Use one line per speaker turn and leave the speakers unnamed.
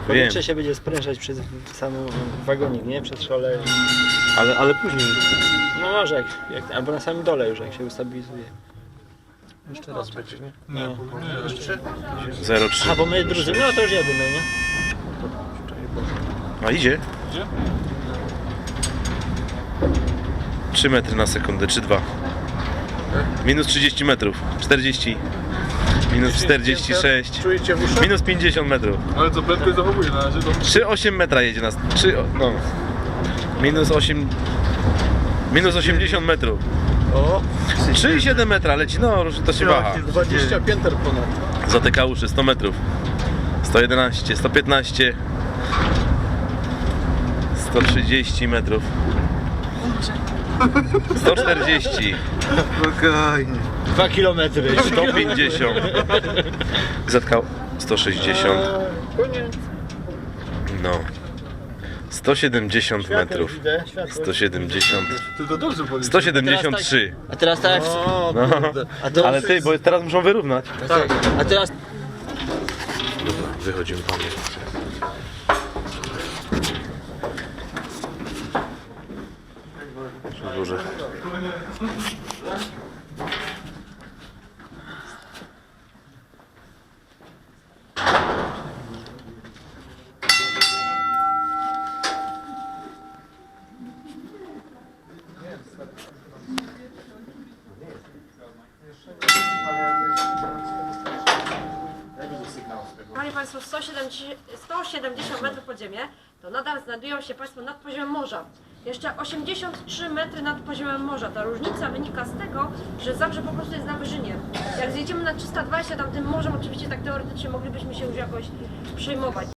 Powietrze się będzie sprężać przez sam wagonik, nie? Przez szole.
Ale później.
No może, albo na samym dole już, jak się ustabilizuje.
Jeszcze raz będzie, nie?
No.
Jeszcze?
0,3.
A bo my drudzy, no to już jedymy, nie?
A idzie?
Gdzie?
3 metry na sekundę, 3,2. Minus 30 metrów. 40. Minus 46.
Czujecie w uszach?
Minus 50 metrów.
Ale co, prędkość zachowuje na razie, to...
3,8 metra jedzie nas. 3, no. Minus 8. Minus 80 metrów.
O!
3,7 metra leci, no różnie to się waha.
20 pięter ponad.
Zatyka uszy, 100 metrów. 111, 115. 130 metrów. 140.
Spokojnie.
2 kilometry.
150. Zatkał 160.
Koniec.
No. 170 metrów. 170.
Ty to dobrze policzyłeś.
173.
A teraz tak.
O,
No.
kurde.
A to,
Ale ty, bo teraz muszą wyrównać.
tak. A teraz.
Dobra, wychodzimy panie. Duże.
Panie Państwo, 170 metrów pod ziemię, to nadal znajdują się Państwo nad poziomem morza. Jeszcze 83 metry nad poziomem morza. Ta różnica wynika z tego, że Zabrze po prostu jest na wyżynie. Jak zjedziemy na 320 tam tym morzem, oczywiście tak teoretycznie moglibyśmy się już jakoś przejmować.